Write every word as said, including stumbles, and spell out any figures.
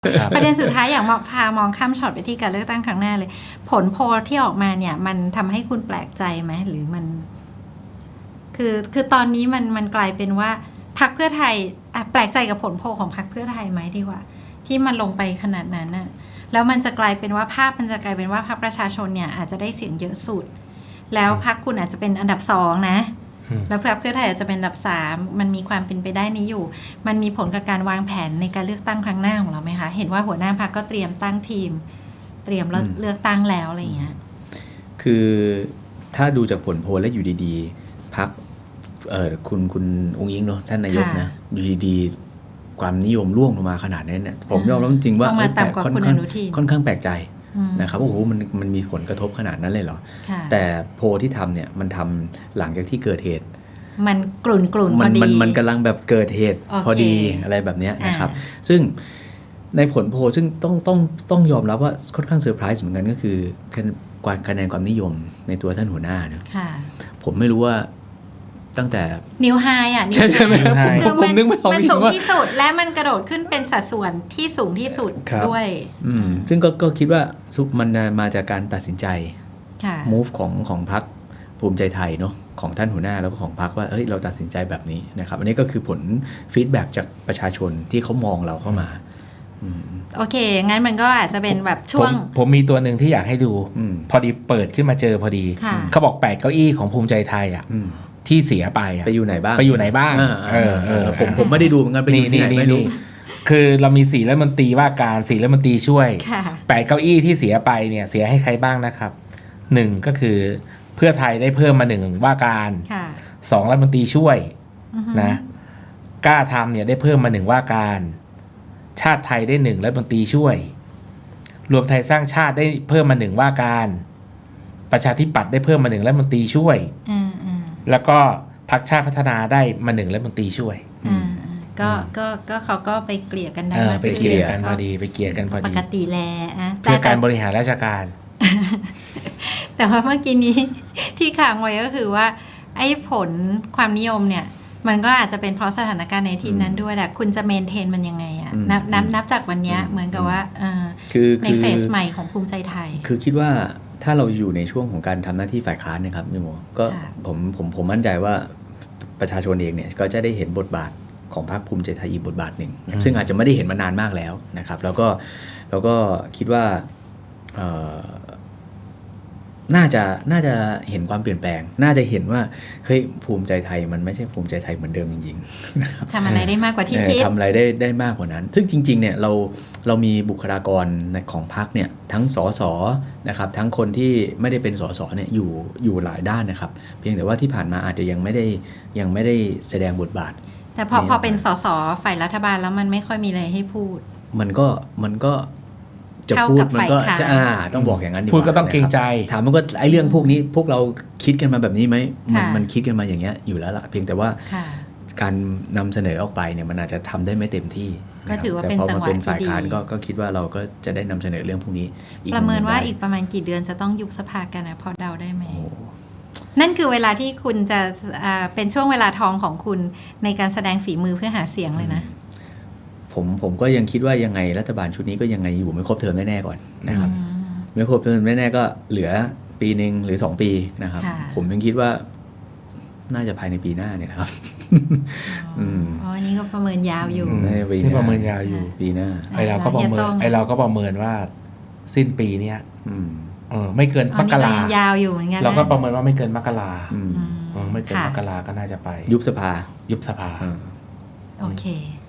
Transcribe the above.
ประเด็นสุดท้ายอยากมองพามองข้ามช็อตไปที่การเลือกตั้งครั้งหน้าเลยผลโพลที่ออกมาเนี่ยมันทำให้คุณแปลกใจไหมหรือมันคือคือตอนนี้มันมันกลายเป็นว่าพรรคเพื่อไทยอ่ะแปลกใจกับผลโพลของพรรคเพื่อไทยไหมดีกว่าที่มันลงไปขนาดนั้นน่ะแล้วมันจะกลายเป็นว่าภาพมันจะกลายเป็นว่าพรรคประชาชนเนี่ยอาจจะได้เสียงเยอะสุดแล้วพรรคคุณอาจจะเป็นอันดับสองนะแล้วพรรคเพื่อไทยอาจจะเป็นอันดับสามมันมีความเป็นไปได้นี้อยู่มันมีผลกับการวางแผนในการเลือกตั้งครั้งหน้าของเราไหมคะเห็นว่าหัวหน้าพรรคก็เตรียมตั้งทีมเตรียมเลือกตั้งแล้วอะไรอย่างเงี้ยคือถ้าดูจากผลโพลแล้วอยู่ดีๆพรรคเอ่อคุณคุณองค์อิงเนาะท่านนายกนะอยู่ดีๆความนิยมร่วงลงมาขนาดนี้เนี่ยผมยอมรับจริงว่าค่อนข้างค่อนข้างแปลกใจนะครับโอ้โหมันมันมีผลกระทบขนาดนั้นเลยเหรอแต่โพลที่ทำเนี่ยมันทำหลังจากที่เกิดเหตุมันกลุ่นกลุ่นพอดีมันมันกำลังแบบเกิดเหตุพอดีอะไรแบบนี้นะครับซึ่งในผลโพลซึ่งต้องต้องต้องยอมรับว่าค่อนข้างเซอร์ไพรส์เหมือนกันก็คือการคะแนนความนิยมในตัวท่านหัวหน้าเนี่ยผมไม่รู้ว่าตั้งแต่นิวไฮอ่ะใช่ใช่ไหมคือมันมันสูงที่สุดและมันกระโดดขึ้นเป็นสัดส่วนที่สูงที่สุดด้วยอืมซึ่งก็ก็คิดว่ามันมาจากการตัดสินใจ move ของของพรรคภูมิใจไทยเนาะของท่านหัวหน้าแล้วก็ของพรรคว่าเฮ้ยเราตัดสินใจแบบนี้นะครับอันนี้ก็คือผลฟีดแบ็กจากประชาชนที่เขามองเราเข้ามาโอเคงั้นมันก็อาจจะเป็นแบบช่วงผม, ผมมีตัวหนึ่งที่อยากให้ดูพอดีเปิดขึ้นมาเจอพอดีเขาบอกแปดเก้าอี้ของภูมิใจไทยอ่ะที่เสียไปไปอยู่ไหนบ้างไปอยู่ไหนบ้างเออเออผมผมไม่ได้ดูเหมือนกันไปอยู่ที่ไหนไม่รู้คือเรามีสี่รัฐมนตรีว่าการสี่รัฐมนตรีช่วยแปดเก้าอี้ที่เสียไปเนี่ยเสียให้ใครบ้างนะครับหนึ่งก็คือเพื่อไทยได้เพิ่มมาหนึ่งว่าการสองรัฐมนตรีช่วยนะกล้าทำเนี่ยได้เพิ่มมาหนึ่งว่าการชาติไทยได้หนึ่งรัฐมนตรีช่วยรวมไทยสร้างชาติได้เพิ่มมาหนึ่งว่าการประชาธิปัตย์ได้เพิ่มมาหนึ่งรัฐมนตรีช่วยแล้วก็พรรคชาติพัฒนาได้มาหนึ่งรัฐมนตรีช่วยก็ก็ก็เขาก็ไปเกลี่ยกันได้ไปเกลี่ยกันพอดีไปเกลี่ยกันพอดีปกติแลเพื่อการบริหารราชการแต่ว่าเมื่อกี้นี้ที่ค้างไว้ก็คือว่าไอ้ผลความนิยมเนี่ยมันก็อาจจะเป็นเพราะสถานการณ์ในทีนั้นด้วยแหละคุณจะเมนเทนมันยังไงอ่ะนับนับนับจากวันนี้เหมือนกับว่าในเฟสใหม่ของภูมิใจไทยคือคิดว่าถ้าเราอยู่ในช่วงของการทำหน้าที่ฝ่ายค้านนะครับพี่โมก็ผมผมผมมั่นใจว่าประชาชนเองเนี่ยก็จะได้เห็นบทบาทของพรรคภูมิใจไทยอีกบทบาทหนึ่งซึ่งอาจจะไม่ได้เห็นมานานมากแล้วนะครับแล้วก็แล้วก็คิดว่าน่าจะน่าจะเห็นความเปลี่ยนแปลงน่าจะเห็นว่าเฮ้ยภูมิใจไทยมันไม่ใช่ภูมิใจไทยเหมือนเดิมจริงๆนะครับทำอะไรได้มากกว่าที่คิดทำอะไรได้ได้มากกว่านั้นซึ่งจริงๆเนี่ยเราเรามีบุคลากรของพรรคเนี่ยทั้งสสนะครับทั้งคนที่ไม่ได้เป็นสสเนี่ยอยู่อยู่หลายด้านนะครับเพียงแต่ว่าที่ผ่านมาอาจจะยังไม่ได้ยังไม่ได้แสดงบทบาทแต่พอพอเป็นสสฝ่ายรัฐบาลแล้วมันไม่ค่อยมีอะไรให้พูดมันก็มันก็จะพูดมันก็จะอ่าต้องบอกอย่างนั้นดีกว่าพูดก็ต้องเกรงใจถามมันก็ไอ้เรื่องพวกนี้พวกเราคิดกันมาแบบนี้ไหมมันมันคิดกันมาอย่างเงี้ยอยู่แล้วล่ะเพียงแต่ว่าการนำเสนอออกไปเนี่ยมันอาจจะทำได้ไม่เต็มที่ก็ถือว่าเป็นจังหวะที่ดีก็ก็คิดว่าเราก็จะได้นำเสนอเรื่องพวกนี้ประเมินว่าอีกประมาณกี่เดือนจะต้องยุบสภากันนะพอเดาได้ไหมนั่นคือเวลาที่คุณจะเป็นช่วงเวลาทองของคุณในการแสดงฝีมือเพื่อหาเสียงเลยนะผมผมก็ยังคิดว่ายังไงรัฐบาลชุดนี้ก็ยังไงอยู่ไม่ครบเทอมแน่ๆก่อนนะครับไม่ครบเทอมแน่ๆก็เหลือปีนึงหรือสองปีนะครับผมยังคิดว่าน่าจะภายในปีหน้าเนี่ยครับอ๋ออันนี้ก็ประเมินยาวอยู่นี่ประเมินยาวอยู่ปีหน้าไอเราก็ประเมินไอเราก็ประเมินว่าสิ้นปีเนี้ยเออไม่เกินมกรายาวอยู่เหมือนกันเราก็ประเมินว่าไม่เกินมกราไม่เกินมกราก็น่าจะไปยุบสภายุบสภาโอเค